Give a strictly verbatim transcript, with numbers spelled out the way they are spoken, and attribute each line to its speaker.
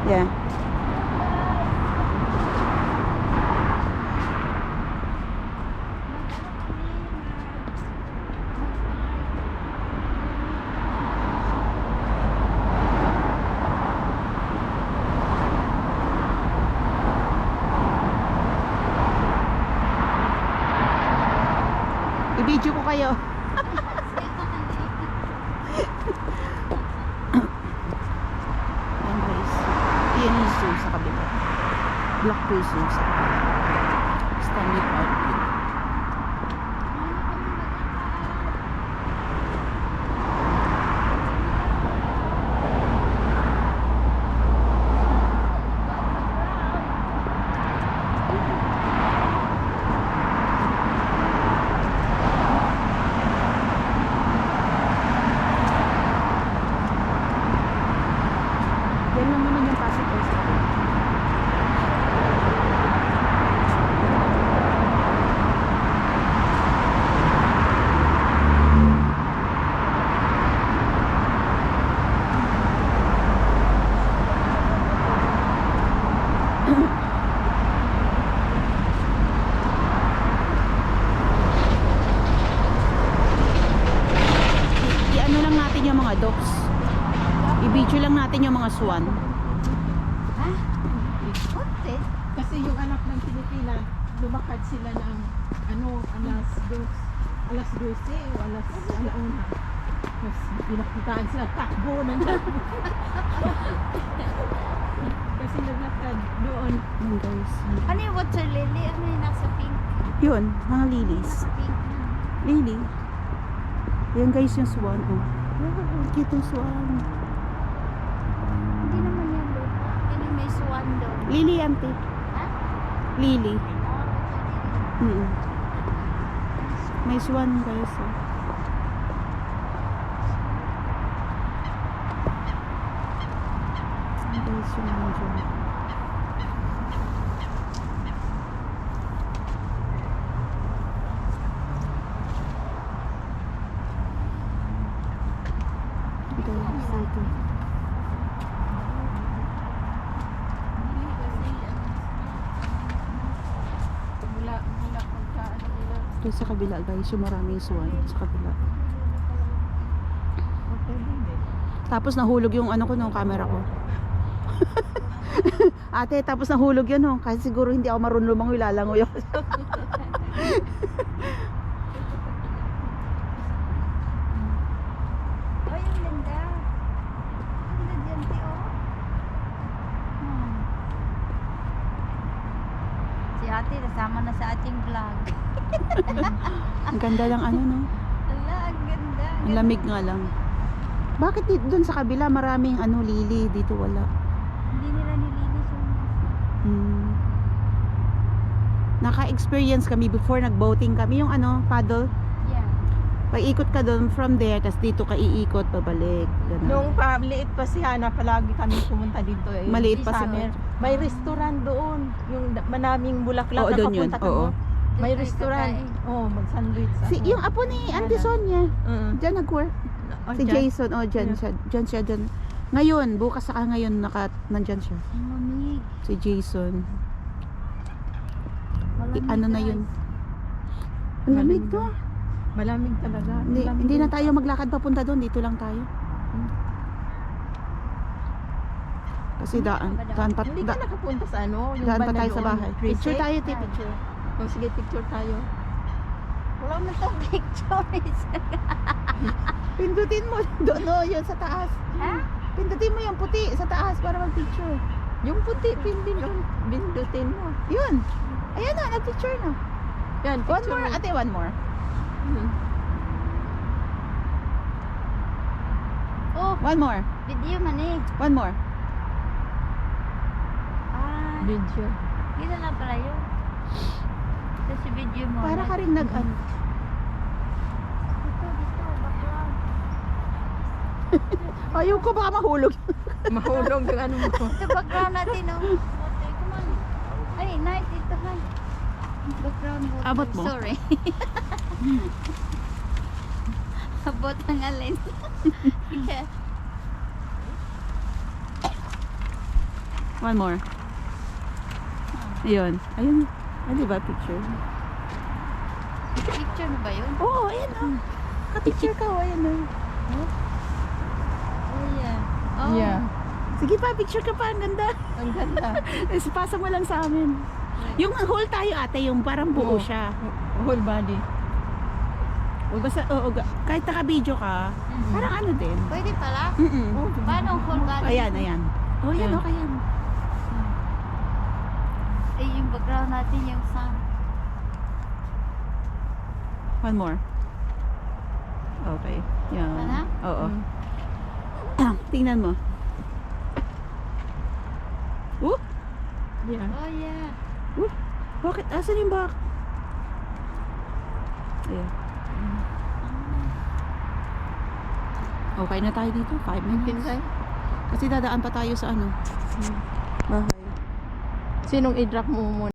Speaker 1: Yeah. I-video ko kayo. Ayan guys. Ayan yung zoo sa kabila. Blackpool Zoo sa kabila. Stanley Park. Yan lang naman yung Pasig Oil sa kabila. I-ano lang natin yung mga dogs. I-video lang natin yung mga swan.
Speaker 2: Ha? Konti.
Speaker 3: Kasi yung anak ng Pilipina, lumakad sila ng ano, alas dos, alas dose o alas alauna. Tapos pinakitaan sila, takbo ng takbo. Kasi naglakad doon.
Speaker 1: Ayan guys.
Speaker 2: Ano yung water lily? Ano yung nasa pink?
Speaker 1: Yun, mga lilies.
Speaker 2: Nasa pink na.
Speaker 1: Lily. Yan guys yung swan. Oh. Oh, cute yung swan.
Speaker 2: Hindi naman yan doon. Hindi may swan doon.
Speaker 1: Lily ante.
Speaker 2: Ha?
Speaker 1: Lily.
Speaker 2: Oh, water lily.
Speaker 1: Mm. May swan guys. Oh. Ayan guys yung mga dyan. Ito yung ito.
Speaker 3: Mula, mula pagka ano nila.
Speaker 1: Ito sa kabila guys, yung maraming swan sa kabila.
Speaker 3: Okay din eh.
Speaker 1: Tapos nahulog yung ano ko nung camera ko. Ate, tapos nahulog yun oh. Kasi siguro hindi ako marunong lumangoy, lalangoy ako.
Speaker 2: Oh, yung ganda. Ang ganda dyan, ti, oh. Hmm. Si ate, nasama na sa ating vlog.
Speaker 1: Ang ganda lang ano no.
Speaker 2: Ala, ang ganda.
Speaker 1: Ang lamig nga lang. Bakit dito dun sa kabila maraming ano lili, dito wala?
Speaker 2: Hindi nila nilinis yung...
Speaker 1: Hmm. Naka-experience kami before nag-boating kami yung ano, paddle.
Speaker 2: Yeah.
Speaker 1: Pag-ikot ka doon from there, tas dito ka iikot pabalik. Ganun.
Speaker 3: Nung paliit pa si Hana, palagi kami pumunta dito eh.
Speaker 1: Maliit pa si
Speaker 3: summer. May restaurant doon. Yung da- manaming bulaklak
Speaker 1: Oo,
Speaker 3: na
Speaker 1: doon yun.
Speaker 3: papunta ka
Speaker 1: Oo.
Speaker 3: mo. May
Speaker 2: Doon kayo
Speaker 3: restaurant.
Speaker 2: kakain.
Speaker 3: Oh, mag-sandwich.
Speaker 1: Si,
Speaker 3: ako.
Speaker 1: yung apo ni Auntie
Speaker 3: Hana.
Speaker 1: Sonia,
Speaker 3: Mm.
Speaker 1: dyan nag-work.
Speaker 3: Oh,
Speaker 1: Si
Speaker 3: dyan.
Speaker 1: Jason, oh dyan
Speaker 3: Yeah.
Speaker 1: siya, dyan siya, dyan. Ngayon, bukas saka ngayon, naka, nandyan siya.
Speaker 2: Ang lamig.
Speaker 1: Si Jason. I,
Speaker 2: Malamig,
Speaker 1: ano na
Speaker 2: guys.
Speaker 1: yun? Ang lamig
Speaker 3: Malamig
Speaker 1: to.
Speaker 3: Malamig talaga.
Speaker 1: Hindi,
Speaker 3: Malamig
Speaker 1: hindi na
Speaker 3: din.
Speaker 1: tayo maglakad papunta doon, dito lang tayo. Kasi daan, daan pa,
Speaker 3: Hindi
Speaker 1: da,
Speaker 3: ka nakapunta sa ano? Yung
Speaker 1: daan pa
Speaker 3: banda
Speaker 1: tayo sa
Speaker 3: doon,
Speaker 1: bahay.
Speaker 3: Trece?
Speaker 1: Picture tayo, te,
Speaker 2: Ah.
Speaker 1: picture.
Speaker 3: Oh, sige, picture tayo.
Speaker 2: Wala man itong pictures.
Speaker 1: Pindutin mo, doon, no, yun sa taas.
Speaker 2: Ha?
Speaker 1: Pindutin mo yung puti sa taas para mag-picture.
Speaker 3: Yung puti, pindin, bindutin mo.
Speaker 1: Yun. Ayan na, nag-picture na.
Speaker 3: Yan,
Speaker 1: One
Speaker 3: picture
Speaker 1: more,
Speaker 3: mo.
Speaker 1: ate, one more.
Speaker 3: Mhm.
Speaker 2: Oh,
Speaker 1: One more.
Speaker 2: video man eh.
Speaker 1: One more.
Speaker 2: Ah,
Speaker 3: Video.
Speaker 2: gila na pala yun. Ito si video mo.
Speaker 1: Para ka rin nag, ano.
Speaker 2: Dito, dito, background.
Speaker 1: Ayaw ko, baka mahulog.
Speaker 3: Mahulog yung ano mo.
Speaker 2: Ito background natin, oh. Water, come on. Ay, night, dito, hi. Background water.
Speaker 1: Abot mo?
Speaker 2: Sorry. Abot ng alin. Yeah.
Speaker 1: One more. Ayun. Ayun. Ah, di ba picture?
Speaker 2: Picture na ba yun?
Speaker 1: Oo, oh, ayan oh. Ka-picture ka, oh, ayan oh.
Speaker 2: Oh, yeah. Oh.
Speaker 3: Yeah.
Speaker 1: Sige pa, picture ka pa. Ang ganda.
Speaker 3: Ang ganda.
Speaker 1: Eh, pasa mo lang sa amin. Yung whole tayo ate, yung parang buo
Speaker 3: Oo.
Speaker 1: siya.
Speaker 3: Whole body.
Speaker 1: O basta, oo, ga- kahit naka-video ka,
Speaker 2: Mhm.
Speaker 1: parang ano din.
Speaker 2: Pwede pala?
Speaker 1: Mm-mm.
Speaker 2: Paano ang whole body?
Speaker 1: Ayan, ayan. Oh, yan,
Speaker 3: Ayan.
Speaker 1: okay yan.
Speaker 2: Ay, yung background natin, yung sun.
Speaker 1: One more. Okay. Yan.
Speaker 2: Wala?
Speaker 1: Oo.
Speaker 3: Mm.
Speaker 1: Ah, tingnan mo. Uh,
Speaker 3: Yeah.
Speaker 2: Oh, yeah.
Speaker 1: uh, bakit? Asan yung back? Ayan. Okay na tayo dito. Five minutes.
Speaker 3: Pinsay?
Speaker 1: Kasi dadaan pa tayo sa ano, bahay.
Speaker 3: Sinong i-drop mo muna?